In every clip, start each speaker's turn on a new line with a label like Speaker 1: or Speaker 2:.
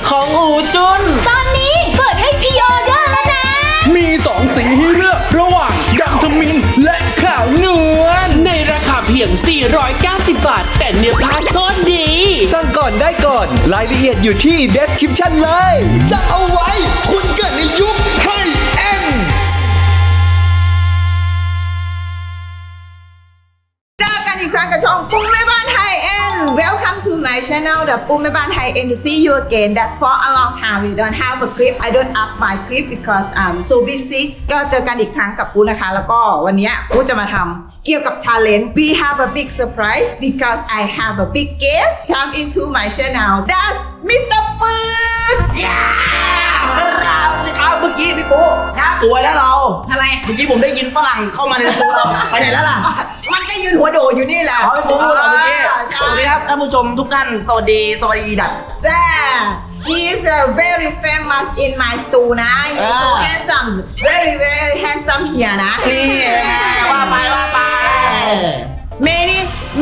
Speaker 1: ของอูจุน
Speaker 2: ตอนนี้เปิดให้พรีออเดอร์แล้วนะ
Speaker 3: มี2 สีให้เลือกระหว่างดำทมินและขาวนวล
Speaker 4: ในราคาเพียง 490 บาท แต่เนื้อผ้าโคตรดี
Speaker 3: สั่งก่อนได้ก่อน รายละเอียดอยู่ที่ description เลยจะเอาไว้คุณเกิดในยุคให้เอ็ม
Speaker 5: เจอกันอีกครั้งกับช่องปุ้มแม่บ้านไทยเอ็น Welcome to my channel The ปุ้มแม่บ้านไทยเอ็น to see you again That's for a long time we don't have a clip I don't up my clip because I'm so busy ก็เจอกันอีกครั้งกับปุ้นะคะ แล้วก็วันนี้ปุ้จะมาทำเกี่ยวกับ challenge We have a big surprise because I have a big guest come into my channel That's Mr. ปืน
Speaker 1: ครับสวัสดีครับเมื่อกี้พี่ปุ๊สวยแล้วเรา
Speaker 5: ทำไม
Speaker 1: เมื่อกี้ผมได้ยินฝรั่งเข้ามาในตัวเราไปไหนแล้วล่ะ
Speaker 5: มันก็ยืนหัวโดดอยู่นี่แหละ
Speaker 1: อ๋อพี่ปุ๊พูดต่อเมื่อกี้สวัสดีครับท่านผู้ชมทุกท่านสวัสดีดัด
Speaker 5: There, he is very famous in my store นะ He is so handsome, very handsome here นะ
Speaker 1: นี่ว่าไป
Speaker 5: many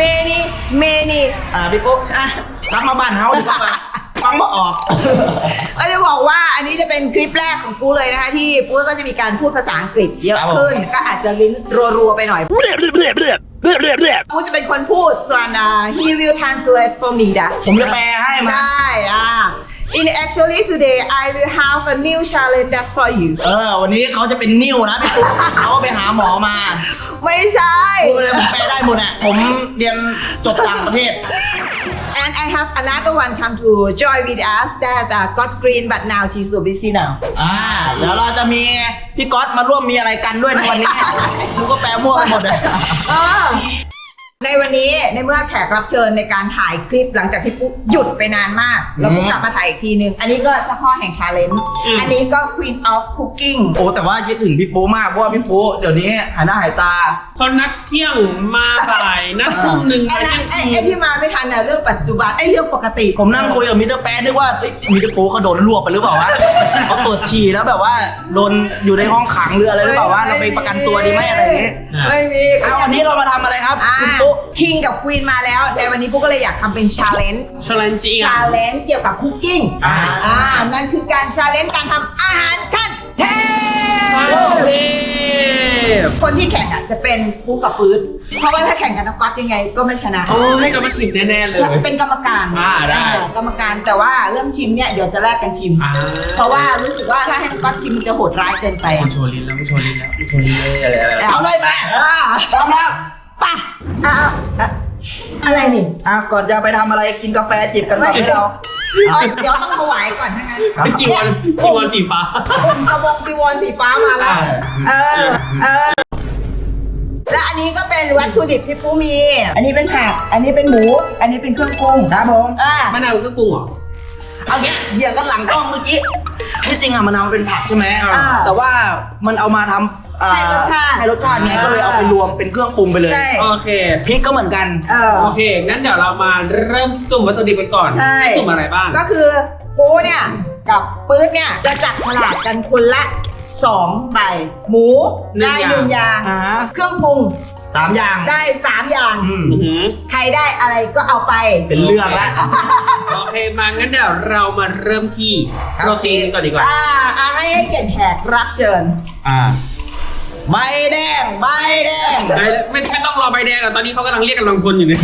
Speaker 1: พี่ปุ๊กลับมาบ้านเฮาดีกว่าฟังบ่ออก
Speaker 5: ก็จะบอกว่าอันนี้จะเป็นคลิปแรกของปูเลยนะคะที่ปูก็จะมีการพูดภาษาอังกฤษเยอะขึ้นก็อาจจะลิ้นรัวๆไปหน่อยปูจะเป็นคนพูดส่วนhe will translate for me นะ
Speaker 1: ผมจะแปลให้มา
Speaker 5: ได้In actually today I will have a new challenge that for you
Speaker 1: วันนี้เขาจะเป็นนิ้วนะพี่ปุ๊เขาไปหาหมอมา
Speaker 5: ไม่ใช่
Speaker 1: พูดเลยผมแปลได้หมดอ่ะผมเรียนจบต่างประเทศ
Speaker 5: And I have another one come to join with us that got green but now she's so busy now
Speaker 1: เดี๋ยวเราจะมีพี่ก๊อตมาร่วมมีอะไรกันด้วยในวันนี้มึงก็แปลมั่วไปหมดเลย
Speaker 5: ในวันนี้ในเมื่อแขกรับเชิญในการถ่ายคลิปหลังจากที่ปุ๊หยุดไปนานมากแล้วปุ๊กลับมาถ่ายอีกทีนึงอันนี้ก็เจ้าพ่อแห่งชาเลนจ์อันนี้ก็ Queen of Cooking
Speaker 1: โอ้แต่ว่าคิดถึงพี่ปูมากเพราะว่าพี่ปูเดี๋ยวนี้หายหน้าหายตา
Speaker 4: เขานัดเที่ยงมาบ่ายนัดทุ่มหนึ่ง
Speaker 5: ไอ้นั้นไอ้ที่มาไม่ทันน่ะเรื่องปัจจุบันไอ้เรื่องปกติ
Speaker 1: ผมนั่งคุยกับมิสเตอร์แป๊ดนึกว่ามิสเตอร์ปูเขาโดนรวบไปหรือเปล่าวะเขาเปิดฉี่แล้วแบบว่าโดนอยู่ในห้องขังหรืออะไรหรือเปล่าวะเราไปประกันตัวดีไหมอะไรอย่างงี้
Speaker 5: ไม่มี
Speaker 1: เอาวันนี้เรามาทำอะไรครับคุณปู
Speaker 5: คิงกับควีนมาแล้วในวันนี้ปุ๊กก็เลยอยากทำเป็นชาเลนจ์
Speaker 4: ชาเลนจ์อีก
Speaker 5: ชาเลนจ์เกี่ยวกับคุกกิ้งนั่นคือการชาเลนจ์การทำอาหารขั้นเทพคนที่แข่งจะเป็นปุ๊กกับปื๊ดเพราะว่าถ้าแข่งกับน้องก๊อตยังไงก็ไม่ชนะ
Speaker 4: โอ้ให้กลับมาชิมแน่ๆเลย
Speaker 5: เป็นกรรมการ
Speaker 4: ได้
Speaker 5: กรรมการแต่ว่าเรื่องชิมเนี่ยเดี๋ยวจะแลกกันชิม เพราะว่ารู้สึกว่าถ้าให้น้องก๊อตชิมมันจะโหดร้ายเกินไป
Speaker 4: โชว์ลิ้นแล้วโชว์ลิ้นเลยอะไร
Speaker 1: เอาเลยแม่พร้อมแล้ว
Speaker 5: ป่ะอะไรนี่
Speaker 1: ก่อนจะไปทำอะไรกินกาแฟจิบกันก่อนให้เรา
Speaker 5: เดี๋ยวต้องถวายก่อนนะงั้น
Speaker 4: เป็นจีวรสีฟ้า
Speaker 5: ผมสบงจีวรสีฟ้ามาแล้วและอันนี้ก็เป็นวัตถุดิบที่ปูมี อันนี้เป็นผักอันนี้เป็นหมูอันนี้เป็นเครื่องปรุง
Speaker 1: ครับผม
Speaker 4: มะนาวเครื่องปรุงเหรอ
Speaker 1: เอาเงี้ยเหี้ยกันหลังกล้องเมื่อกี้ที่จริงอะมะนาวมันเป็นผักใช่ไหมแต่ว่ามันเอามาทำ
Speaker 5: ให้รสชาติ
Speaker 1: ไงก็เลยเอาไปรวมเป็นเครื่องปรุงไปเลย
Speaker 4: โอเค
Speaker 1: พริกก็เหมือนกัน
Speaker 4: โอเคงั้นเดี๋ยวเรามาเริ่มสุ่มวัตถุดิบกันก่อนสุ่มอะไรบ้าง
Speaker 5: ก็คือปูเนี่ยกับปื๊ดเนี่ยจะจับฉลากกันคนละ2 ใบหมูได้1 อย่างเครื่องปรุง
Speaker 1: 3 อย่าง
Speaker 5: ได้3 อย่าง ใครได้อะไรก็เอาไป
Speaker 1: เป็นเรื่องแล้ว
Speaker 4: โอเคมางั้นเดี๋ยวเรามาเริ่มที่โปรตีนก่อนดีกว่า
Speaker 5: ให้เกียรติแขกรับเชิญ
Speaker 1: ใบแดง
Speaker 4: ไม่ต้องรอใบแดงอ่ะตอนนี้เขากำลังเรียกกำลังพลอยู่เนี่ย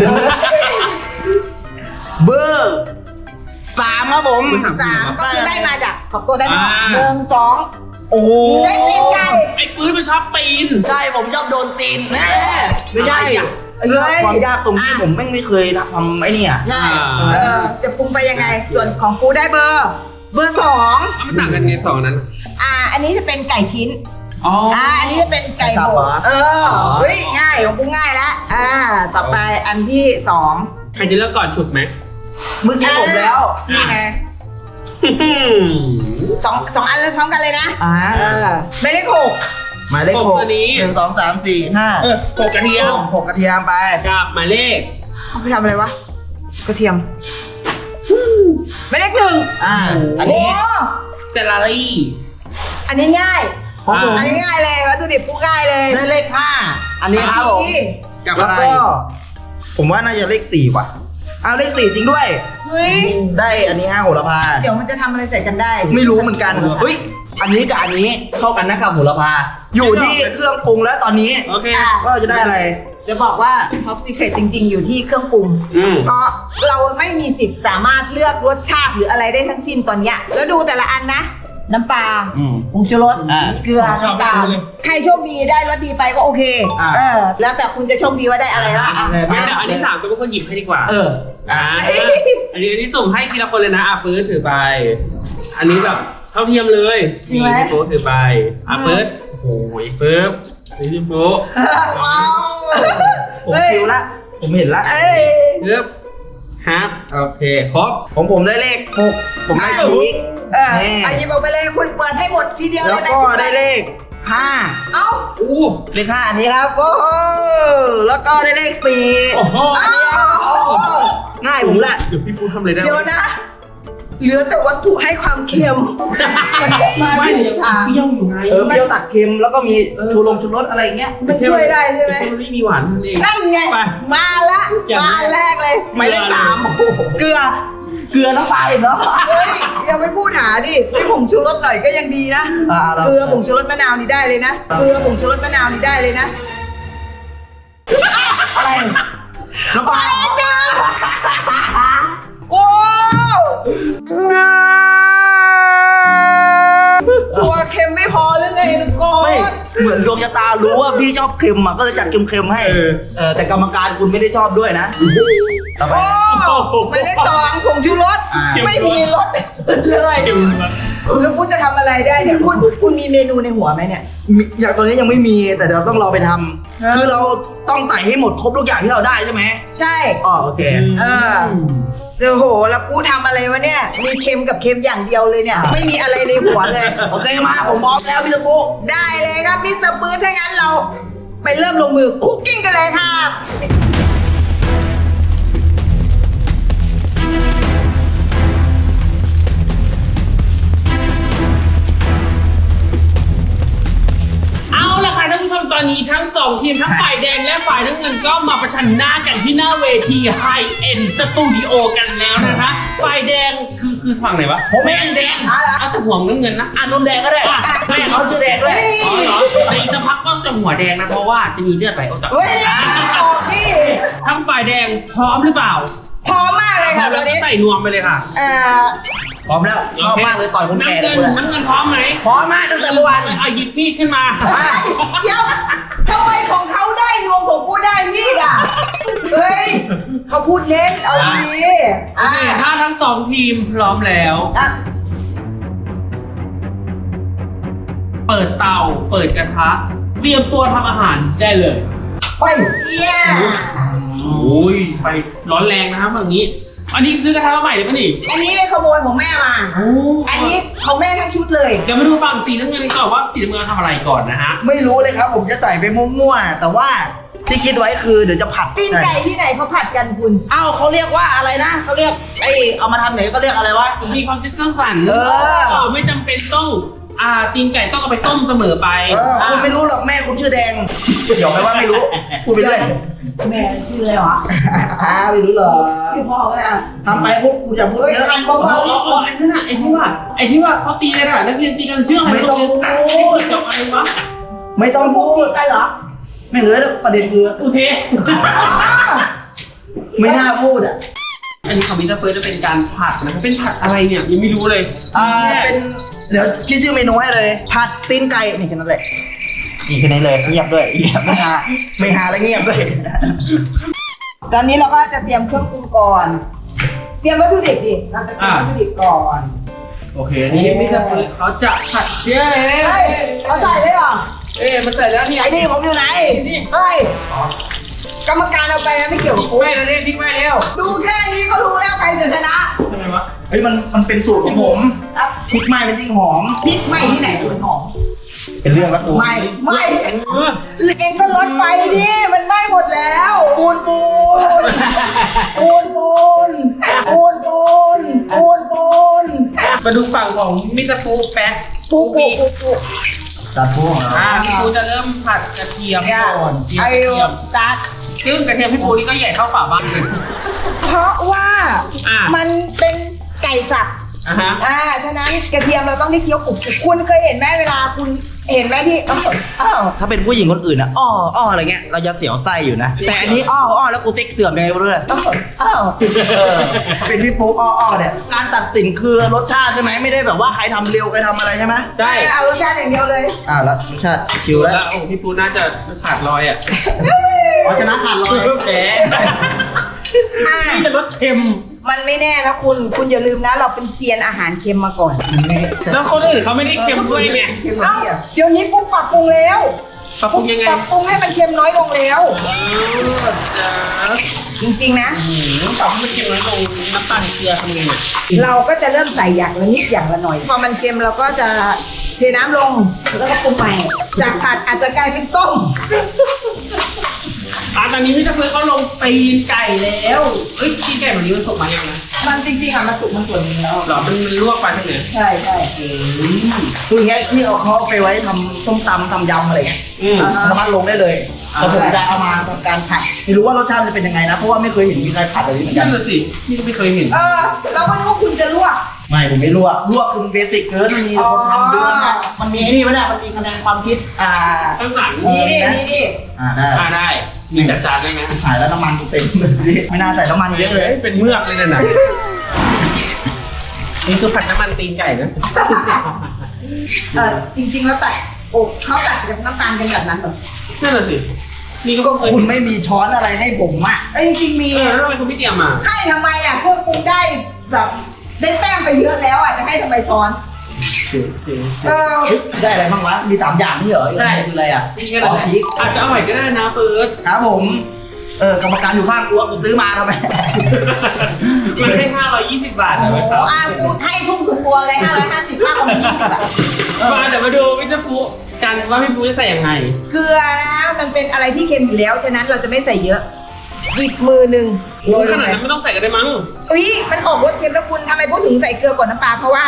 Speaker 1: เบอร์3ครับผม
Speaker 5: 3ก็คือได้มาจากขอบตัวได้มา1 2
Speaker 1: โอ้
Speaker 5: ได้ตีนไก่
Speaker 4: ไอ้ปืนมันชอบปีน
Speaker 1: ใช่ผมชอบโดนตีนไม่ใช่ความยากตรงที่ผมไม่เคยทำไอ้นี่
Speaker 5: ใช่จะปรุงไปยังไงส่วนของปูได้เบอร์2
Speaker 4: มันต่างกันไง2นั้น
Speaker 5: อันนี้จะเป็นไก่ชิ้นอันนี้จะเป็นไก่บดเฮ้ยง่ายของปูง่ายแล้วต่อไปอันที่2
Speaker 4: ใครจะเลือกก่อนฉุดไหม
Speaker 1: เมื่อกี้ผมแล้วนี่ไง
Speaker 5: 2 อันเลยพร้อมกันเลยนะไม่ได้
Speaker 1: หมายเลข6 1 2 3 4 5
Speaker 4: 6 กระเทียม
Speaker 1: 6 กระเทียมไป
Speaker 4: กับหมายเลข
Speaker 5: เขาไปทำอะไรวะกระเทียมหมายเลข1
Speaker 1: อันนี้
Speaker 4: เซลารี่
Speaker 5: อันนี้ง่ายอันนี้ง่ายเลยวัตถุดิบปูง่ายเลย
Speaker 1: ได้เลข5อันนี้ครับผม
Speaker 4: กับ
Speaker 1: แล้วก็ผมว่าน่าจะเลข4ว่ะเอาเลข4จริงด้วย
Speaker 5: เฮ้ย
Speaker 1: ได้อันนี้5โหระพา
Speaker 5: เดี๋ยวมันจะทำอะไรใส่กันได้
Speaker 1: ไม่รู้เหมือนกันเฮ้ยอันนี้กับอันนี้เข้ากันนะครับโหระพาอยู่ที่เครื่องปรุงแล้วตอนนี้
Speaker 4: โอเค
Speaker 1: ว่าเราจะได้อะไร
Speaker 5: จะบอกว่า Top Secret จริง ๆ อยู่ที่เครื่องปรุง เพราะเราไม่มีสิทธิ์สามารถเลือกรสชาติหรืออะไรได้ทั้งสิ้นตอนเนี้ยแล้วดูแต่ละอันนะ น้ำปลา
Speaker 1: อืม
Speaker 5: ผงชูรส เกลือ
Speaker 4: ชอบ
Speaker 5: น้ำตาล
Speaker 4: เลย
Speaker 5: ใครโชคดีได้รสดีไปก็โอเค แล้วแต่คุณจะโชคดีว่าได้อะไรวะอ่ะ
Speaker 4: งั้นเดี๋ยวอันที่3ก็เป็นคนหยิบให้ดีกว่า
Speaker 1: เออ
Speaker 4: อันนี้สุ่มให้ทีละคนเลยนะปื๊ดถือไป อันนี้แบบเท่าเทียมเลยนี่พี่โป๊ถือไปปื๊ดโอ้ยปึ๊บนี่พี่โป๊
Speaker 5: ว้าว
Speaker 1: ผมคิวละผมเห็นละ
Speaker 4: ปึ๊บฮับโอเคครบ
Speaker 1: ของผมได้เลข6ผมได้สี
Speaker 5: อันนี้บอกไปเลยคุณเปิดให้หมดทีเดียว
Speaker 1: แล้
Speaker 5: เล
Speaker 1: วย
Speaker 5: ไหม
Speaker 1: ก็ได้เลข5
Speaker 5: เอ้า
Speaker 4: อู้
Speaker 1: เลข5อันนี้ครับโอ้โหแล้วก็ได้เลข4
Speaker 4: โอ้โห
Speaker 1: ง่ายผมละ
Speaker 4: เดี๋ยวพี่ปูทำอะไรได้
Speaker 5: เดี๋ยวนะ เหลือแต่วัตถุให้ความเค็มมันจะมา
Speaker 4: ไม่
Speaker 5: ที่
Speaker 4: เดี๋ยว
Speaker 5: ทาง
Speaker 4: เปรี้ยวอยู่ไง
Speaker 1: เปรี้ยวตัดเค็มแล้วก็มีชูรสอะไรอย่างเงี้ย
Speaker 5: มันช่วยได้ใช่ไหม
Speaker 4: แต่ไม่มีหวานนั่นเอง
Speaker 5: นั่นไง
Speaker 4: ไป
Speaker 5: มาละ
Speaker 4: อย่าง
Speaker 5: มาแรกเลยหมายเลข
Speaker 4: เกลือ
Speaker 5: 3เกลือ
Speaker 1: เกลือน้ำปลาอีกเนาะ
Speaker 5: เฮ้ยอย่าไปพูดหาดิได้ผงชูรสหน่อยก็ยังดีนะ
Speaker 1: เรา
Speaker 5: เกลือผงชูรสมะนาวนี่ได้เลยนะเกลือผงชูรสมะนาวนี่ได้เลยนะ
Speaker 1: อะไร
Speaker 4: น้ำปลา
Speaker 5: โอ้ตัวเค็มไม่พอหรือไงนุกโก
Speaker 1: ไม่
Speaker 5: น
Speaker 1: เหมือนดวงชะตารู้ว่าพี่ชอบเค็มอ่ะก็เลยจัดเค็มๆให้แต่กรรมการคุณไม่ได้ชอบด้วยนะต่อไป
Speaker 5: โอ้หมายเลข2ผงชูรสไม่มีรสเลย
Speaker 4: เค็มมาก
Speaker 5: แล้วคุณจะทำอะไรได้เนี่ยคุณมีเมนูในหัวไหมเนี่ย
Speaker 1: อย่างตัวนี้ยังไม่มีแต่เดี๋ยวต้องรอไปทำคือเราต้องใส่ให้หมดครบทุกอย่างที่เราได้ใช่ไหม
Speaker 5: ใช่
Speaker 1: อ๋อโอเค
Speaker 5: โอ้โหแล้วกูทำอะไรวะเนี่ยมีเค็มกับเค็มอย่างเดียวเลยเนี่ย ไม่มีอะไรในหัวเลย
Speaker 1: โอเคมาผมพร้อมแล้วพี่ตะปู
Speaker 5: ได้เลยครับมิสเตอร์ปื้ดถ้างั้นเราไปเริ่มลงมือคุกกิ้งกันเลยครับ
Speaker 4: เอาละค่ะท่านผู้ชมตอนนี้ทั้ง2ทีมทั้งฝ่ายแดงและฝ่ายน้ำเงินก็มาประชันหน้ากันที่หน้าเวที High End Studio กันแล้วนะคะฝ่ายแดงคือฝั่งไหนวะ
Speaker 1: ผมเองแดง
Speaker 4: เอาแต่หัวน้ำเงินนะ
Speaker 1: นมแดงก็ได้แม่เขาชื่อแดงด้วย
Speaker 4: อ๋อเหรอแต่อีกสักพักก็จะหัวแดงนะเพราะว่าจะมีเลือดไหลออกจาก
Speaker 5: เฮ้ยนี่
Speaker 4: ทั้งฝ่ายแดงพร้อมหรือเปล่า
Speaker 5: พร้อมมากเลย
Speaker 4: พร้อ
Speaker 5: ค่ะ
Speaker 4: ม
Speaker 5: ต
Speaker 4: แล้
Speaker 5: อ
Speaker 4: วน ก็
Speaker 5: นี้
Speaker 4: ใส่นวมไปเลยค่ะ
Speaker 1: พร้อมแล้วชอบมากเลยต่อยคนแก่
Speaker 4: น้ำ
Speaker 1: เล
Speaker 4: เงิ
Speaker 1: ย
Speaker 4: นน้ำเงินพร้อมไหม
Speaker 1: พร้อมมากตั้งแต่เมื่อวาน
Speaker 4: เอาหยิบมีดขึ้นมา
Speaker 5: เดี๋ยวทำไมของเขาได้นวมของกูได้มีดอ่ะเฮ้ยเขาพูดเล่นเอาดี
Speaker 4: โอเคถ้าทั้ง2ทีมพร้อมแล้ว เปิดเตาเปิดกระทะ เตรียมตัวทำอาหารได้เลย
Speaker 5: ไปเยี่ย
Speaker 4: โอ้ยไฟร้อนแรงนะครับแบบนี้ อันนี้ซื้อกระทะมาใหม่เลยป่ะนี่
Speaker 5: อันนี้เป็นขโมยของแม่มา
Speaker 4: โอ้
Speaker 5: อันนี้ของแม่ทั้งชุดเลย
Speaker 4: เดี๋ยวมาดูฝั่งสีน้ำเงินก่อนว่าสีน้ำเงินทำอะไรก่อนนะฮะ
Speaker 1: ไม่รู้เลยครับ ผมจะใส่ไปมั่วๆแต่ว่าที่คิดไว้คือเดี๋ยวจะผัด
Speaker 5: ตีนไก่ที่ไหนเขาผัดกันคุณ
Speaker 1: อ้าวเขาเรียกว่าอะไรนะเขาเรียกเอามาทำไหนก็เรียกอะไรวะ
Speaker 4: มีความคิดสร้างสรรค์
Speaker 1: เออ
Speaker 4: ไม่จำเป็นต้องตีนไก่ต้องเอาไปต้มเสมอไป
Speaker 1: คุณไม่รู้หรอกแม่คุณชื่อแดงเดี๋ยวไม่ว่าไม่รู้พูดไปเรื่อย
Speaker 5: แม่ชื่ออะไรวะ
Speaker 1: ไม่รู้หรอก
Speaker 5: ชื่อพ่อก็ได้อะ
Speaker 1: ทำไปปุ๊บคุณอย่าพูดเยอะ
Speaker 5: ทัน
Speaker 4: อ๋อ
Speaker 5: เบา
Speaker 4: อ๋อไอ้นั่นน่ะไอ้ที่ว่าเขาตีกันอ่ะนักเรียนตีกันเชื่ออะไร
Speaker 1: ไม่ต้องพูด
Speaker 4: จบอะไรวะ
Speaker 1: ไม่ต้อง
Speaker 5: ๆ
Speaker 1: พู
Speaker 5: พู
Speaker 1: ด
Speaker 5: ดกันเหรอ
Speaker 1: ไม่เลยแล้วประเด็นคือ
Speaker 4: อุเท
Speaker 1: ไม่น่าพูดอ่ะ
Speaker 4: อันนี้ของมิสเตอร์เฟิร์สจะเป็นการผัดนะครับเป็นผัดอะไรเนี่ยยังไม่รู้เลย
Speaker 1: เป็นเดี๋ยวคิดชื่อเมนูให้เลยผัดตีนไก่นี่แค่นั้นแหละนี่แค่นี้เลยเงียบด้วยเงียบไม่หาแล้วเงียบด้วย
Speaker 5: ตอนนี้เราก็จะเตรียมเครื่องปรุงก่อน เตรียมวัตถุดิบดิเราจะเตรียมวัตถุดิบก่อน
Speaker 4: โอเคนี่มิสเตอร์เฟิร์สเขาจะผัดเย้
Speaker 5: เฮ้ยเขาใส่เลยเหรอ
Speaker 4: มันใส่แล้วนี่
Speaker 1: ไอ้นี่ผมอยู่ไหน
Speaker 5: เฮ้ยกรรมการเอาไปนะไม่เกี่ยว
Speaker 4: พ
Speaker 5: กับ
Speaker 4: ริก
Speaker 5: กู
Speaker 4: ไหม้แล้วเนี่ยพริกไหม้แล้ว
Speaker 5: ดูแค่นี้ก็รู้แล้วใครจะชนะ
Speaker 4: ทำไมวะ
Speaker 1: เฮ้ยมันเป็นสูตรของผม
Speaker 5: ครับ
Speaker 1: พริกไหม้มันจริงหอม
Speaker 5: พริกไหม้ที่ไหนคุณหอม
Speaker 1: เป็นเรื่องละกู
Speaker 5: ไหม้ไหม้
Speaker 4: เออ
Speaker 5: เองก็ลดไฟดิมันไหม้หมดแล้วปูนปูนปูนปูนปูนปูนปูนปูน
Speaker 4: มาดูฝั่งของมิสเตอร์ฟูแป๊ก
Speaker 5: ปูปูปูปู
Speaker 1: ตัดพวก
Speaker 4: พี่ปูจะเริ่มผัดกระเทียมก่อนเตรียม
Speaker 5: ไอ้
Speaker 4: กระเทียม
Speaker 5: ตัด
Speaker 4: ซึ่งกระเทียมพี่ปูนี่ก็ใหญ่เท่าฝาบ้าน
Speaker 5: เพราะว่า
Speaker 4: อ่ะ
Speaker 5: มันเป็นไก่สับ
Speaker 4: ฮะ
Speaker 5: ฉะนั้นกระเทียมเราต้องได้เคี้ยวกรุบๆคุณเคยเห็นไหมเวลาคุณเห็นไหมที่อ้าว
Speaker 1: ถ้าเป็นผู้หญิงคนอื่นอะอ้ออะไรเงี้ยเราจะเสียวไส้อยู่นะ แต่อันนี้อ้อแล้วกูเต็กเสื่อมยังไงไม่รู้เลย
Speaker 5: อ้าว
Speaker 1: เป็นพี่ปุ๊กอ้อเนี่ยการตัดสินคือรสชาติใช่ไหมไม่ได้แบบว่าใครทำเร็วใครทำอะไรใช่ไหม
Speaker 4: ได้
Speaker 5: เอารสชาติอย่างเดียวเลย
Speaker 1: แล้วรสชาติชิวแล้ว
Speaker 4: แล้วโอ้พี่ปูน่าจะขาดรอยอ่ะ
Speaker 1: อ๋อชนะขาดลอย
Speaker 4: แพ้
Speaker 5: อ่ะ
Speaker 4: นี่แต่รสเค็ม
Speaker 5: มันไม่แน่นะคุณอย่าลืมนะเราเป็นเซียนอาหารเค็มมาก่อน
Speaker 4: แล้วคนอื่นเขาไม่ได้เค็มด้วยไง
Speaker 5: เอ้าเดี๋ยวนี้ปุ๊บปรับปรุงแล้ว
Speaker 4: ปรับปรุงยังไง
Speaker 5: ปรับปรุงให้มันเค็มน้อยลงแล้ว จริงๆนะ
Speaker 4: ปรับให้มันเค็มน้อยลงน้ำตาลเกลือทำไงเนี่ย
Speaker 5: เราก็จะเริ่มใส่อย่างละนิดอย่างละหน่อย พอมันเค็มเราก็จะเทน้ำลงแล้วก็ปรุงใหม่ จากผัดอาจจะกลายเป็นต้ม
Speaker 4: ตอนนี้พี่ตะเพื่อเขาลงตีนไก่แล้วเอ้ยตีนไก่แบบนี้มันสุกมายังนะ
Speaker 5: มันจริงๆอ่ะมันสุกมันส่วนหนึงแล้ว
Speaker 4: หรอมันลวกไปใช่ไหม
Speaker 5: ใช่ใช่
Speaker 1: คืออย่างเงี้ยที่เขาเอาไปไว้ทำส้มตำทำยำอะไรเงี้ย
Speaker 4: อืม
Speaker 1: สามารถลงได้เลยแต่ผมจะเอามาทำการผัดไม่รู้ว่ารสชาติมันจะเป็นยังไงนะเพราะว่าไม่เคยเห็นมีใครผัดแบบนี้เหมือนกั
Speaker 4: นั่
Speaker 1: น
Speaker 4: นแหละสิพี่ก็ไม่เคยเห็น
Speaker 5: เราก็นึกว่าคุณจะลวก
Speaker 1: ไม่ผมไม่ลวกคือมันเบสิกเกินมันมีคนทำเยอะนะมันมีไอ้นี่ไหมเนี่ยมันมีคะแนนความคิด
Speaker 4: ข้างหลัง
Speaker 5: นี่ดินี่ดิ
Speaker 1: ได้
Speaker 4: ได้มีจัดจานได้ไหม
Speaker 1: ขายแล้วน้ำมันเต็มเลยไม่น่าใส่น้ำมันเยอะเลย
Speaker 4: เป็นเมือกเลยนะ นี่คือผัดน้ำมันตีนไก่นะ
Speaker 5: จริงๆแล้วตัดเขาตัดกับน้ำตาลกันแบบนั้นเหรอ
Speaker 4: นั่นแหละสินี่
Speaker 1: ก็
Speaker 4: ก็เคย
Speaker 1: คุณไม่มีช้อนอะไรให้ผมอ่ะ
Speaker 5: จริงๆมี
Speaker 4: แล้วทำไมคุณไม่เตรียมมา
Speaker 5: ให้ทำไมอ่ะเครื่องปรุงได้แบบได้แต้มไปเยอะแล้วอ่ะจะให้ทำไมช้อน
Speaker 1: ได้อะไรบ้างวะมี3อย่างนี่เหรอคืออะไรอ่ะ
Speaker 4: นี่ก็ได้อาจจะอร่อยก็ได้นะเฟิร์ส
Speaker 1: ครับผมกรรมการอยู่ข้างกูกูซื้อมาทำไม
Speaker 4: มันให้520 บาทใช่ไหมครับ
Speaker 5: กูให้ทุ่มถึงตัวเลย550มากกว่า20อ่ะ
Speaker 4: มาเดี๋ยวมาดูวิจารณ์กันว่าพี่ปูจะใส่ยังไง
Speaker 5: เกลือนะมันเป็นอะไรที่เค็มอยู่แล้วฉะนั้นเราจะไม่ใส่เยอะหยิบมือหนึ่งโรย
Speaker 4: ข
Speaker 5: ลง
Speaker 4: นาด
Speaker 5: ไป
Speaker 4: นั้นไม่ต้องใส่ก็ได้มั้ง
Speaker 5: อุ้ยมันออกรสเค็มนะคุณทำไมพูดถึงใส่เกลือก่อนน้ำปลาเพราะว่า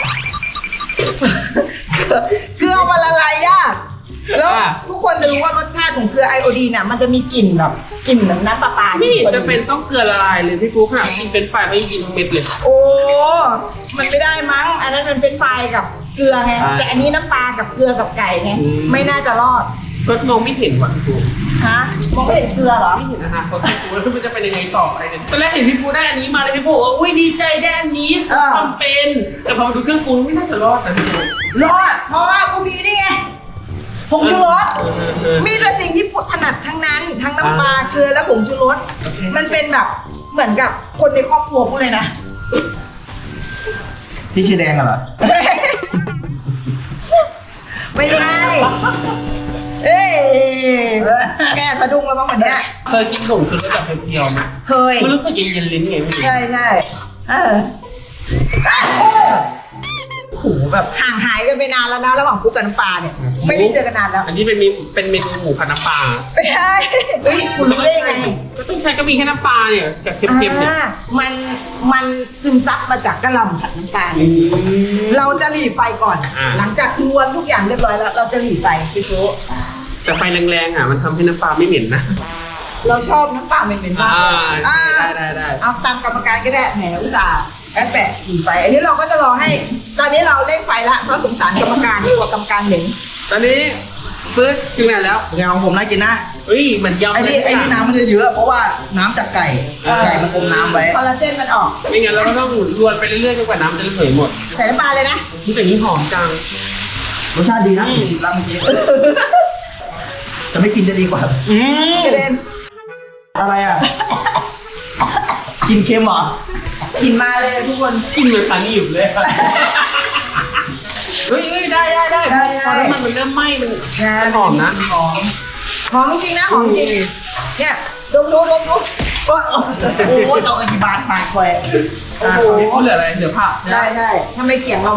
Speaker 5: เกลือมันละลายยากแล้วทุกคนจะรู้ว่ารสชาติของเกลือไอโอดีนน่ะมันจะมีกลิ่นแบบกลิ่นน้ำปลา
Speaker 4: ไม่เห็นจะเป็นต้องเกลือละลายเลยพี่ปูขนาดกินเป็นไฟไม่กินเม็ดเลย
Speaker 5: โอ้มันไม่ได้มั้งอันนั้นมันเป็นไฟกับเกลือไงแต่อันนี้น้ำปลากับเกลือกับไก่ไงไม่น่าจะรอด
Speaker 4: ก็มองไม่เห็นว่ะพี่ปู
Speaker 5: ฮะมองไม่เห็นเกลือเหรอ
Speaker 4: ไม่เห็นนะคะเพราะพี่ปูแล้วมันจะเป็นยังไงต่อไปเนี่ยตอนแรกเห็นพี่ปูได้อันนี้มาเลยพี่ปูว่าอุ้ยดีใจได้อันนี้ทำเป็นแต่พอมาดูเครื่องปรุงไม่น่าจะรอดนะพี่ปู
Speaker 5: รอดเพราะว่ากูมีนี่ไงผงชูรสมีแต่สิ่งที่ปุถนัดทั้งนั้นทั้งน้ำปลาเกลือและผงชูรสมันเป็นแบบเหมือนกับคนในครอบครัวกูเลยนะ
Speaker 1: พี่ชื่อแดงเหรอ
Speaker 5: ไม่ใช่เอ้ยแกสะดุ้งแล้วบ้างวันเนี้ย
Speaker 4: เคยกินขนมคือรสแบบเพียวๆไหม
Speaker 5: เคย
Speaker 4: มันรู้สึกเย็นๆลิ้นไงไม่รู้
Speaker 5: ใช่ใช่โอ้โหแบบห่างหายกันไปนานแล้วนะระหว่างกูกับน้ำปลาเนี่ยไม่ได้เจอกันนานแล้ว
Speaker 4: อันนี้เป็นเมนูหมูผัดน้ำปลา
Speaker 5: ไม่ใช่เฮ้ยคุณรู้ได้ยังไง
Speaker 4: ก็ต้องใช้ก็มีแค่น้ำปลาเนี่ยกับเค็มๆเนี่ย
Speaker 5: มันซึมซับมาจากกะหล่ำผัดน้ำตาลเราจะหลีไฟก่อน หลังจากรวนทุกอย่างเรียบร้อยแล้ว เราจะหลีไฟ
Speaker 4: พี่โซ่แต่ไฟแรงๆอ่ะมันทำให้น้ำปลาไม่เหม็นนะ
Speaker 5: เราชอบน้ำปลาเป็นๆมาก
Speaker 4: ได้
Speaker 5: เอาตามกรรมการก็ได้แหมอุตส่าห์แอบแปะหลีไฟ อันนี้เราก็จะรอให้ ตอนนี้เราเร่งไฟละเพราะสงสารกรรมการที่กว่ากรรมการเหม็น
Speaker 4: ตอนนี้ฟื้นถึงไหนแล้ว
Speaker 1: งานของผมน่ากินนะ
Speaker 4: เฮ้ยเหมือนยำ
Speaker 1: ไอ้นี่น้ำมันจะเยอะเพราะว่าน้ำจากไก่มันอมน้ำไว้
Speaker 5: คอลลาเจนมันออก
Speaker 4: ไม่งั้นเราก็ต้องรวนไปเรื่อยๆจนกว่าน้ำจะระเหยหมด
Speaker 5: ใส่น้ำปลาเลยนะ
Speaker 4: นี่แต่นี้หอมจัง
Speaker 1: รสชาติดีนะผมรับเมื่อกี้จะไม่กินจะดีกว่า
Speaker 5: กระเด็น
Speaker 1: อะไรอ่ะ กินเค็มเหรอ
Speaker 5: กินมาเลยทุกคน
Speaker 4: กินเหมือนสันหยิบเลยเฮ้ยได้พอน้ำมันเริ่มไหม้มันหอมนะ
Speaker 5: หอมจริงนะหอมจริงเนี่ยดมดู
Speaker 1: โอ้โหจะเอากี่บาทมาคอย
Speaker 5: โอ้โห
Speaker 4: นี่พูดเหลืออะไรเหลือผัก
Speaker 5: ได้ทำไมเกี่ยงเรามัน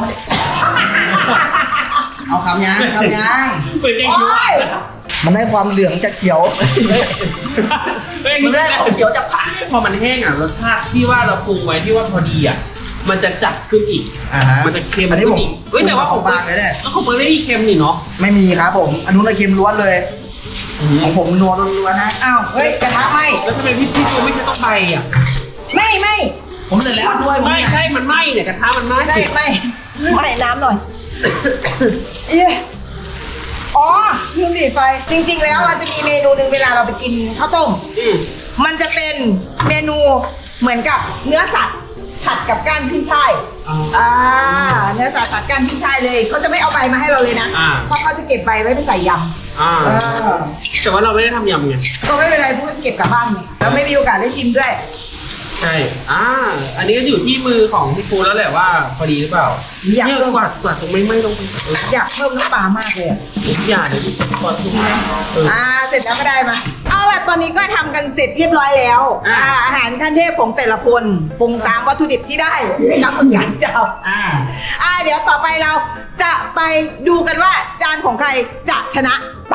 Speaker 1: เอาคำยาง
Speaker 4: เปิดแกง
Speaker 5: โอ้
Speaker 4: คิ้วย
Speaker 1: มันได้ความเหลืองจากเขียว มันได้ของเขียวจากผัก
Speaker 4: พอมันแห้งอ่ะรสชาติที่ว่าเราปรุงไว้ที่ว่าพอดีอ่ะมันจะจัดขึ้นอีก มันจะเค็ม
Speaker 1: อันนี้
Speaker 4: ขึ้
Speaker 1: ผม
Speaker 4: นอีกเฮ้ยแต่ว่าของ
Speaker 1: บางเลยเนี่ย
Speaker 4: แล้วของเปิดไม่มีเค็มนี่เนาะ
Speaker 1: ไม่มีครับผมอันนู้นเค็มล้วนเลย ของผมนัวล้วนๆนะ
Speaker 5: อ้าวเฮ้ยกระทะไหม
Speaker 4: แล้วทำไมพี่ปูไม่ใช่ต้องใบอ่ะ
Speaker 5: ไม่
Speaker 1: ผมเสร็จแล้วด้วยผม
Speaker 4: ไม่
Speaker 1: เนี่ย
Speaker 4: ใช่มันไหม้เนี่ยกระทะมันไหม้
Speaker 5: ไม่น้ำหน่อยเอ๊ะอ๋อลืมหลีไฟจริงๆแล้วมันจะมีเมนูหนึ่งเวลาเราไปกินข้าวต้ม มันจะเป็นเมนูเหมือนกับเนื้อสัตว์ผัดกับก้านขึ้นช่ายเนื้อสัตว์ผัดก้านขึ้นช่ายเลยเขาจะไม่เอาใบมาให้เราเลยนะเพราะเขาจะเก็บใบไว้ไปใส่ยำ
Speaker 4: แต่ว่าเราไม่ได้ทำยำไง
Speaker 5: ก็ไม่เป็นไรพูดเก็บกลับบ้านไงเราไม่มีโอกาสได้ชิมด้วย
Speaker 4: ใช่อันนี้ก็อยู่ที่มือของพี่ปูแล้วแหละว่าพอดีหรือเปล่า
Speaker 5: อยาก
Speaker 4: เนี่ย
Speaker 5: เพิ่ม
Speaker 4: กวาดตรงไม่ลงไป
Speaker 5: อยากเพิ่มน้ำปลามากเลยอะ
Speaker 4: อย่าเดี๋ยวกวาดตรงนี้
Speaker 5: เสร็จแล้วก็ได้มาเอาล่ะตอนนี้ก็ทำกันเสร็จเรียบร้อยแล้วอาหารขั้นเทพของแต่ละคนปรุงตามวัตถุดิบที่ได้ไม่นับเหมือนกันเจ้าเดี๋ยวต่อไปเราจะไปดูกันว่าจานของใครจะชนะไป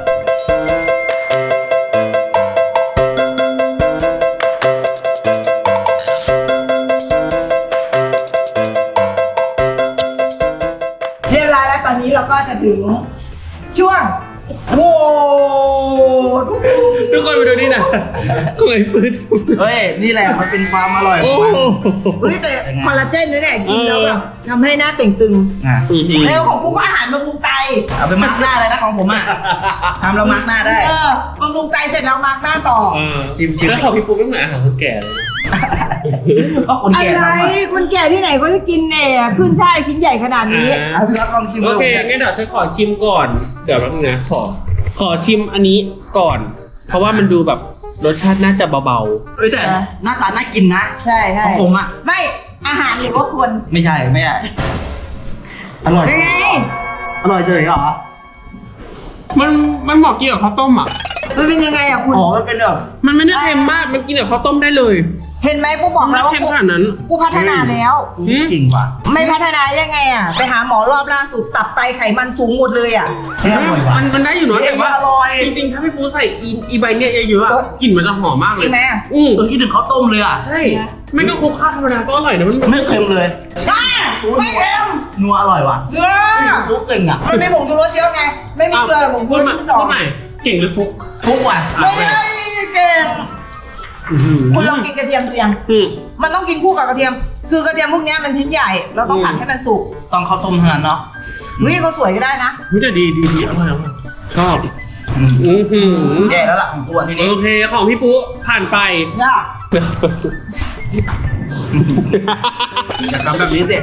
Speaker 5: เรียบร้อยแล้วตอนนี้เราก็จะถึงช่วงโหวต
Speaker 4: ทุกคนไปดูนี่นะก็เลยปืน
Speaker 1: เฮ้ยนี่แหละมันเป็นความอร่อยข
Speaker 4: โอ้
Speaker 1: องมัน
Speaker 5: เฮ้ยแต่คอลลาเจนนี่แหละกินแล้วแบบทำให้หน้าเต่งตึง
Speaker 1: อ่ะ
Speaker 5: แล้วของปุ๊กก็อาหารบำรุงไต
Speaker 1: เอาไปมาร์กหน้าเลยนะของผมอ่ะทำแล้วมาร์กหน้าได้
Speaker 5: บำรุงไตเสร็จแล้วมาร์กหน้าต่อ
Speaker 1: ชิม
Speaker 4: แล้วของพี่ปูไม่เหมือนอาหารคนแก่เลย
Speaker 1: เพราะคน
Speaker 5: อะ
Speaker 1: แก่
Speaker 5: ไร
Speaker 1: ทำอ่ะ
Speaker 5: คนแก่ที่ไหนก็จะกินเนี่ยขึ้นช่ายชิ้นใหญ่ขนาดนี้
Speaker 1: เอาพี่รับลองชิม
Speaker 4: โอ
Speaker 1: ดู
Speaker 4: เคงั้นเดี๋ยวฉันขอชิมก่อน เดี๋ยวแป๊บนึงนะขอชิมอันนี้ก่อน เพราะว่ามันดูแบบรสชาติน่าจะเบา
Speaker 1: เอ้ยแต่หน้าตาน่ากินนะ
Speaker 5: ใช่ใช่
Speaker 1: ของผมอ่ะ
Speaker 5: ไม่อาหารหรือว่าคน
Speaker 1: ไม่ใช่อร่อย
Speaker 5: ยังไง
Speaker 1: อร่อยเฉยเหรอ
Speaker 4: ๆมันเหมาะกินกับข้าวต้มอ่ะ
Speaker 5: มันเป็นยังไงอ่ะคุณ
Speaker 1: อ๋อมันเป็นแบบ
Speaker 4: มันไม่ได้เค็มมากมันกินกับข้าวต้มได้เลย
Speaker 5: เห็นไหมปุ๊กบอก
Speaker 4: ไม่
Speaker 5: แล้วว่า
Speaker 4: เค็มขนาดนั้น
Speaker 5: กูพัฒนาแล้ว
Speaker 1: จริงว่ะ
Speaker 5: ไม่พัฒนายังไงอ่ะไปหาหมอรอบล่าสุดตับไตไขมันสูงหมดเลยอ่ะ
Speaker 1: ไม่อร่อยว่ะ
Speaker 4: มันได้อยู่เนอะ
Speaker 1: เฮ้ย
Speaker 4: แต่ว่า
Speaker 1: อร่อย
Speaker 4: จริงๆถ้าพี่ปูใส่อีใบเนี่ยเยอะๆอะกลิ่นมันจะหอมมากเล
Speaker 5: จริ
Speaker 4: ย
Speaker 5: งไหม
Speaker 1: คิดถึงข้าวต้มเลยอ่ะ
Speaker 4: ใช่ไม่ก็คลุกข้าวธรรมดาก็อร่อยนะมัน
Speaker 1: ไม่เค็มเลย
Speaker 5: ไม่เค็ม
Speaker 1: นัวอร่อยว่ะ
Speaker 5: เกลือ
Speaker 1: รู้เก่งอ่ะ
Speaker 5: มันไม่ผงชูรสเยอะไง ไม่มีเกลือผงชู
Speaker 4: พู
Speaker 5: ร
Speaker 4: ด
Speaker 5: ส
Speaker 4: มา
Speaker 5: ที่สอง
Speaker 4: พูดใหม่เก่งหรือฟุก
Speaker 1: ทุกว่ะ
Speaker 5: ไม่ได้เก่งคุณลองกินกระเทียมตัวยัง มันต้องกินคู่กับกระเทียม คือกระเทียมพวกเนี้ยมันชิ้นใหญ่ เราต้องผัดให้มันสุก
Speaker 1: ต้องข้าวต้มเท่านั้นเนาะ
Speaker 5: วิเขาสวยก็ได้นะ
Speaker 4: เฮ้ยแต่ดีอร่อยชอบ
Speaker 1: แย่แล้วล่ะของตัวทีนี้
Speaker 4: โอเคของพี่ปูผ่านไป
Speaker 5: ยาก
Speaker 1: จะทำแบบนี้สิ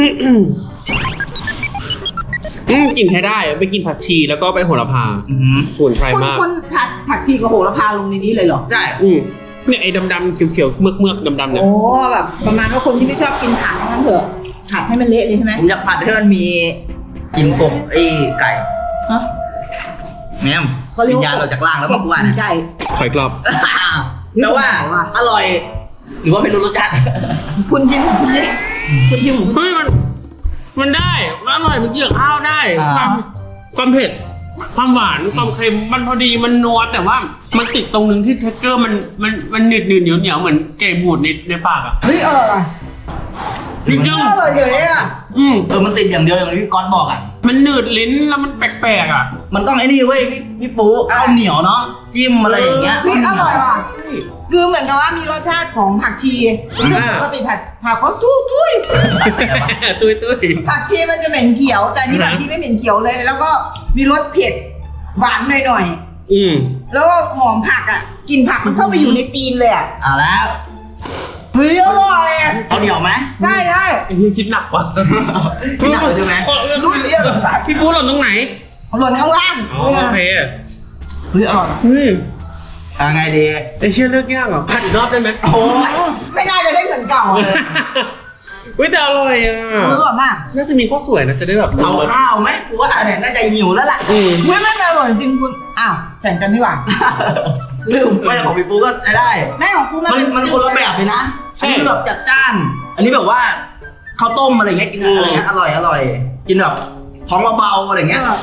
Speaker 4: กลิ่นใช้ได้ไปกินผักชีแล้วก็ไปโหระพาส่วนไพรมาก
Speaker 5: คุณผัดผักชีกับโหระพาลงในนี้เลยเหรอ
Speaker 1: ใช่
Speaker 4: เนี่ยไอ้ดำๆเขียวๆเมือกๆดำๆเนี่ย
Speaker 5: โอ้แบบประมาณว่าคนที่ไม่ชอบกินผักงั้นเถอะผัดให้มันเละเลยใช่ไหม
Speaker 1: ผมอยากผัดให้มันมีกลิ่นกบไอ้ไก่
Speaker 5: ฮะ
Speaker 1: แม่มวิญญาณเราจากล่างแล้วบอกว่า
Speaker 5: กิ
Speaker 1: เนี่ย
Speaker 5: นไก่
Speaker 4: ขอยกรอบ
Speaker 1: แต่ว่าอร่อย หรือว่าไม่รู้รสชาติ
Speaker 5: คุณชิมของคุณดิคุณชิมของคุณ
Speaker 4: เฮ้ยมันได้มันอร่อยมันเจือข้าวได้ ความเผ็ดความหวานความเค็มมันพอดีมันนัวแต่ว่ามันติดตรงนึงที่เท็กเจอร์มันหนืดเหนียวเหมือนไก่บูดในปากอ่ะ
Speaker 5: เฮ้ยอร่อย
Speaker 4: จริง
Speaker 5: อร่อยเฉยอ่ะ
Speaker 1: มันติดอย่างเดียวอย่างที่พี่ก๊อตบอกอ่ะ
Speaker 4: มันหนืดลิ้นแล้วมันแปลกๆอ่ะ
Speaker 1: มันต้องไอ้นี่เว้ยพี่ปูข้าวเหนียวเนาะจิ้มอะไรอย่างเงี้ย
Speaker 5: เฮ้ยอร่อยว่ะ
Speaker 4: ใช่
Speaker 5: คือเหมือนกับว่ามีรสชาติของผักชีซึ่งปกติผักเขาตุ้ย
Speaker 4: ตุ้ย
Speaker 5: ผักชีมันจะเหม็นเขียว แต่อันนี่ผักชีไม่เหม็นเขียวเลย แล้วก็มีรสเผ็ดหวานหน่อยๆแล้วก็หอมผักอ่ะกลิ่นผักมันเข้าไปอยู่ในตีนเลยอ่ะ
Speaker 1: แล้ว
Speaker 5: เฮ้ยอร่อยอ่ะ
Speaker 1: เอาเหนียวไหม
Speaker 5: ใช่ใช่
Speaker 4: ไอ้เหี้ยคิดหนักว่ะ
Speaker 1: พี่หนักเลยใช่ไหม
Speaker 5: ลุยเรียบ
Speaker 4: พี่ปูหล่นตรงไหน
Speaker 5: หล่นข้างล่าง
Speaker 4: อ๋อโอเค
Speaker 1: เฮ้ยอร่อย
Speaker 4: เฮ้ย
Speaker 1: ไงดี
Speaker 4: ไอ้เชื่อเลือกยากเหรอผัดอีกรอบได้ไหม
Speaker 1: โอ้ย
Speaker 5: ไม่น่าจะได้เหมือนเก่าเลย
Speaker 4: เฮ้ยแต่อร่อยอ่ะ
Speaker 5: อร่อยมาก
Speaker 4: น่าจะมีข้าวสวยนะจะได้แบบ
Speaker 1: เอาข้าวไหมกูว่าเนี่ยน่าจะหิวแล้วล่ะ
Speaker 5: ไม่อร่อยจริงคุณอ้าวแข่งกันดีกว่า
Speaker 1: ลืมไม่ของพี่ปูก็ใช้ได้
Speaker 5: แม่ของคุณ
Speaker 1: มันคนละแบบเลยนะ อันนี้คือแบบจัดจ้าน อันนี้แบบว่าข้าวต้มอะไรเงี้ยกินอะไรเงี้ยอร่อยกินแบบท้องเบาๆอะไรเงี้ย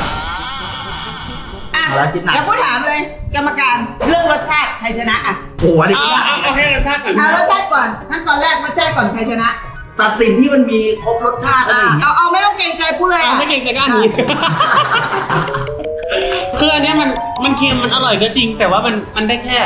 Speaker 5: อ่ะ
Speaker 1: แล้วคิดหนัก
Speaker 5: เดี๋ยวพูดถามเลยกรรมการเรื่องรสชาติใครชนะอ่ะ
Speaker 1: โอ้โหอันนี้ก็
Speaker 4: เอาให้รสชาติก่อน
Speaker 5: เอารสชาติก่อนขั้นตอนแรกรสชาติก่อนใครชนะ
Speaker 1: ตัดสินที่มันมีครบรสชาติอะไรอย่างเงี้ย
Speaker 5: เอาไม่ต้องเกรงใจพูดเลย
Speaker 4: เอาไม่เก่งใจก้านนี้ คืออันเนี้ยมันเค็มมันอร่อยก็จริง แต่ว่ามันได้แค่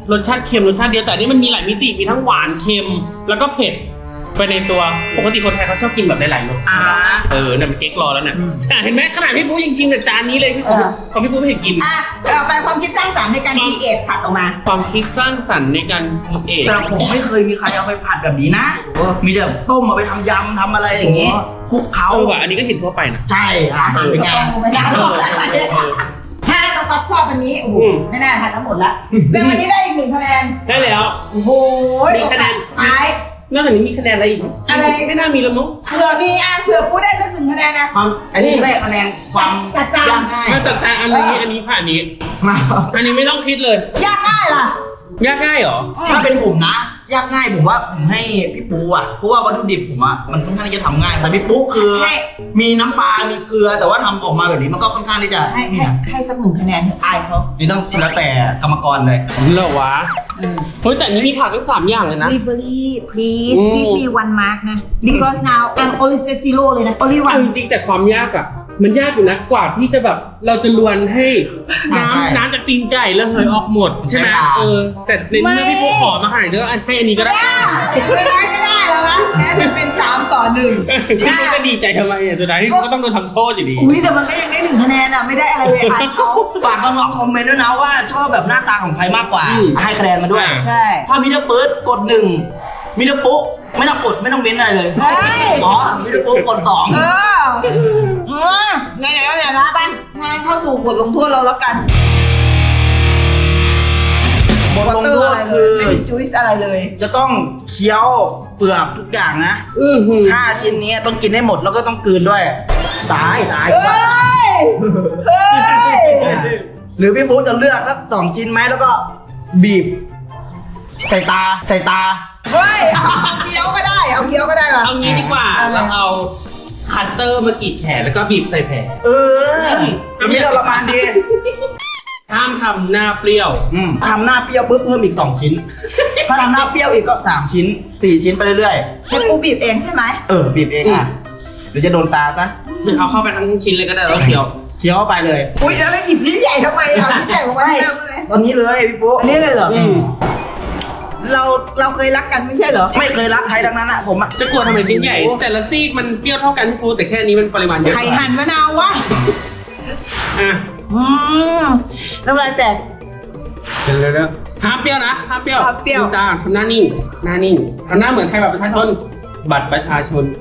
Speaker 4: รสชาติเค็มรสชาติเดียวแต่อันนี่มันมีหลายมิติมีทั้งหวานเค็มแล้วก็เผ็ดไปในตัวปกติคนไทยเขาชอบกินแบบหลายๆรสชาติเนี่ยมันเก๊กรอแล้วเนี่ยเห็นไหมขนาดพี่ปุ๊ยังชิมแต่จานนี้เลยพี่ปุ๊ของพี่ปุ๊ไม่เห็นกิน
Speaker 5: เราไปความคิดสร้างสรรค์ในการครีเอทผัดออกมา
Speaker 4: ความคิดสร้างสรรค์ในการครีเอท
Speaker 1: แต่ผมไม่เคยมีใครเอาไปผัดแบบนี้นะมีแต่ต้มเอาไปทำยำทำอะไรอย่างงี้คลุกเขา
Speaker 4: ว่ะอันนี้ก็เห็นทั่วไปนะ
Speaker 1: ใช่เป็นไง
Speaker 5: ไม่ได้หรอกถ้าเราก็ชอบอันนี้โอ้โหไม่น่าทานทั้งหมดละแต่วันนี้ได้อีก1 คะแนน
Speaker 4: ได้แล้ว
Speaker 5: โอ้โห
Speaker 4: มีคะแนน
Speaker 5: ท้าย
Speaker 4: นอกจากนี้มีคะแนนอะไรอีก
Speaker 5: อะไร
Speaker 4: ไม่น่ามีแล้วมั้ง
Speaker 5: เผื่อมีเผื่อพูดได้สัก1 คะแนนนะ
Speaker 1: ความอันนี้ได้คะแนนความ
Speaker 5: จัดจ้าน
Speaker 1: ยากง่าย
Speaker 4: มาจัดจานอันนี้ผ่านนี้ อันนี้ไม่ต้องคิดเลย
Speaker 5: ยากง่ายล่ะ
Speaker 4: ยากง่ายเหรอ
Speaker 1: ถ้าเป็นผมนะ ยากง่ายผมว่าผมให้พี่ปูอ่ะเพราะว่าวัตถุดิบผมอ่ะมันค่อนข้างที่จะทำง่ายแต่พี่ปูคือ มีน้ำปลา มีเกลือแต่ว่าทำออกมาแบบนี้มันก็ค่อนข้างที่จะ
Speaker 5: ให้สัก1 คะแนนเถอะอายเขา
Speaker 1: นี่ต้องแล้วแต่กรรมกรเลย
Speaker 4: เหรอวะเฮ้ยแต่อันนี้มีผักทั้ง3อย่างเลยนะ
Speaker 5: Delivery please give me 1 mark นะ because now I'm only set 0เลยนะ only
Speaker 4: เอา
Speaker 5: 1
Speaker 4: จริงๆแต่ความยากอ่ะมันยากอยู่นะกว่าที่จะแบบเราจะลวนให้น้ำจากตีนไก่แล้วเหยออกหมดใช่ไหมแต่ในเมื่อพี่ปุ๊ขอมาขนาดนี้ก็ให้อันนี้ก็ได้
Speaker 5: ไม่ได้แล้วนะแม้จะเป็น3-1
Speaker 4: พี่ปุ๊ก็ดีใจทำไมอ่ะสุดท้ายก็ต้องโดนทำโทษอยู่ดี
Speaker 5: อุ้ยแต่มันก็ยังได้1 คะแนนอ่ะไม่ได้อะไรเลยอายเขา
Speaker 1: ฝากน้องๆคอมเมนต์ด้วยนะว่าชอบแบบหน้าตาของใครมากกว่า ให้คะแนนมาด้วย
Speaker 5: ใช่
Speaker 1: ถ้ามิเตอร์เปิร์ดกด1มิเตอร์ปุ๊ไม่ต้องกดไม่ต้องเม้นอะไรเลย
Speaker 5: เฮ้ย
Speaker 1: อ๋อมิเตอร์ปุ๊กด2
Speaker 5: ไงๆก็เนี่ยนะไปงานเข้าสู่บทลงโทษเราแล้วกัน
Speaker 1: บทลงโทษคือ
Speaker 5: ไม่มีจุ๊ยส์อะไรเลย
Speaker 1: จะต้องเคี้ยวเปลือกทุกอย่างนะ5 ชิ้นนี้ต้องกินให้หมดแล้วก็ต้องกลืนด้วยตาย
Speaker 5: เฮ้ย
Speaker 1: หรือพี่ปุ๊จะเลือกสัก2 ชิ้นไหมแล้วก็บีบใส่ตา
Speaker 5: เฮ้ยเคี้ยวก็ได้เอาเคี้ยวก็ได้ป่ะ
Speaker 4: เอางี้ดีกว่าเราเอาคัตเตอร์มากรีดแขนแล้วก็บีบใส่แผล
Speaker 1: อันนี้ทรมานดี
Speaker 4: ห้ามทำหน้าเปรี้ยว
Speaker 1: ทำหน้าเปรี้ยวปุ๊บเพิ่มอีก2 ชิ้น ถ้าทำหน้าเปรี้ยวอีกก็3 ชิ้น 4 ชิ้นไปเรื่อย
Speaker 5: ให้ปูบีบเองใช่ไหม
Speaker 1: บีบเองหรือจะโดนตาซะ
Speaker 4: เอาเข้าไปทั้งชิ้นเลยก็ได้แล้วเคี้ยว
Speaker 1: เคี้ยวไปเลย
Speaker 5: อุ้ยแล้วหยิบลิ้นใหญ่ทำไมเอาลิ้นใหญ่มาไว้ที่หน้ามึงเลย
Speaker 1: ตอนนี้เลยพี่ปุ๊
Speaker 5: อันนี้เลยเหรอเราเคยรักกันไม่ใช่เหรอ
Speaker 1: ไม่เคยรักใครทั้งนั้นผมอะ
Speaker 4: จะกลัวทำไมชิ้นใหญ่ แต่ละซีกมันเปรี้ยวเท่ากันพี่ปูแต่แค่นี้มันปริมาณเยอะ
Speaker 5: ไข่หั่นมะนาววะ
Speaker 4: อ่ะ
Speaker 5: น้ำลายแตก
Speaker 4: เดี๋ยวห้ามเปรี้ยวนะห้ามเปรี้ยว
Speaker 5: ห้ามเปรี้ยว
Speaker 4: ลืมตาทำหน้านิ่งทำหน้าเหมือนใครแบบประชาชนบัตรประชาชน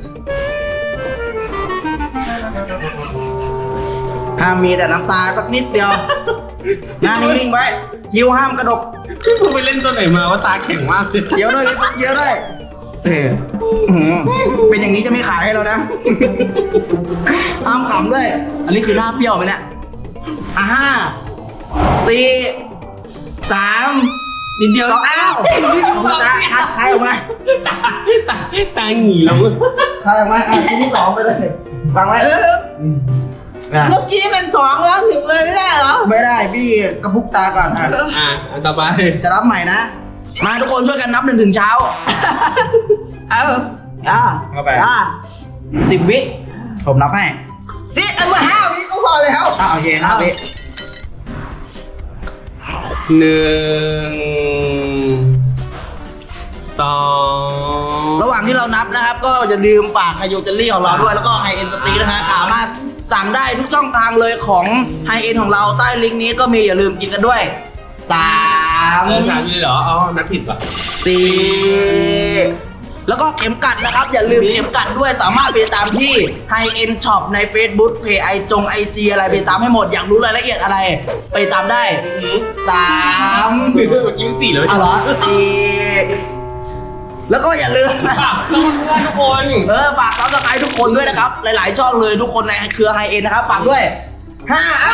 Speaker 1: ห้ามมีแต่น้ำตาสักนิดเดียว หน้านิ่งๆไว้คิ้วห้ามกระดก
Speaker 4: พี่ปูไปเล่นตัวไหนมาว่าตาแข็งมากเลย
Speaker 1: เคี้ยวด้วยพี่ปุ๊เคี้ยวด้วยเป็นอย่างนี้จะไม่ขายให้เรานะ ห้ามขำด้วย อันนี้คือหน้าเปรี้ยวไหมเนี่ย5 4 3
Speaker 4: นิดเดียว
Speaker 1: 2อ้าวคัดใครออกมา
Speaker 4: ตาหงีแล้วมึง
Speaker 1: ใครออกมาชิ้นที่ 2ไปเลยฟังไว้
Speaker 5: เมื่อกี้มัน2แล้วถึงเลยไม่ได้เหรอ
Speaker 1: ไม่ได้พี่กระพุกตาก่อน
Speaker 4: อันต่อไป
Speaker 1: จะรับใหม่นะ มาทุกคนช่วยกันนับ1 ถึงเช้า เข้าไป10 วิผมนับให้
Speaker 5: เอามา5 วิก็พอแล้ว
Speaker 1: โอเค5 วิ
Speaker 4: 1 2
Speaker 1: ระหว่างที่เรานับนะครับ ก็อย่าลืมฝากไฮโยเจลลี่ของเราด้วยแล้วก็ไฮเอ็นสตีนะฮะสามารถสั่งได้ทุกช่องทางเลยของไฮเอ็นของเราใต้ลิงก์นี้ก็มีอย่าลืมกินกันด้วย3
Speaker 4: ถามอยู่เลยเหรออ๋อนับผิดป่ะ
Speaker 1: 4 แล้วก็เข็มกัดนะครับ อย่าลืมเข็มกัดด้วยสามารถไปตามที่ High End Shop ใน Facebook เพจIG อะไรไปตามให้หมดอยากรู้รายละเอียดอะไร ไปตามได้ 3
Speaker 4: เมื่อกี้4แล้ว
Speaker 1: อ๋อเหรอ4 แล้วก็อย่าลืม
Speaker 4: ฝากเพื่อนทุกคน
Speaker 1: ฝากซับสไครต์ทุกคนด้วยนะครับ หลายๆช่องเลยทุกคนในเครือ High End นะครับฝากด้วย5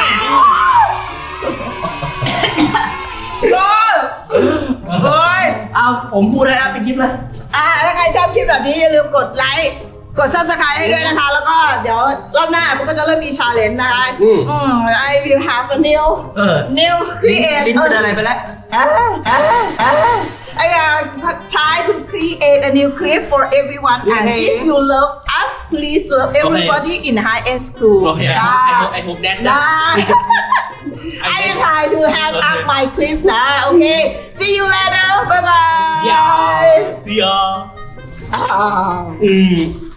Speaker 1: เอาผมพูดให้แล้วปิดคลิปเลย
Speaker 5: ถ้าใครชอบคลิปแบบนี้อย่าลืมกดไลค์กด subscribe ให้ด้วยนะคะ แล้วก็เดี๋ยวรอบหน้ามันก็จะเริ่มมี challenge นะคะ I will have a new create
Speaker 1: ลิ้นเป็นอะไรไปแล้ว
Speaker 5: I try to create a new clip for everyone and if you love us please love everybody in high end school
Speaker 4: โอเคไอโฮปแดน
Speaker 5: ได้ I will try to have up my clip นะ Okay see you later bye bye
Speaker 4: Yeah see ya
Speaker 5: อ่า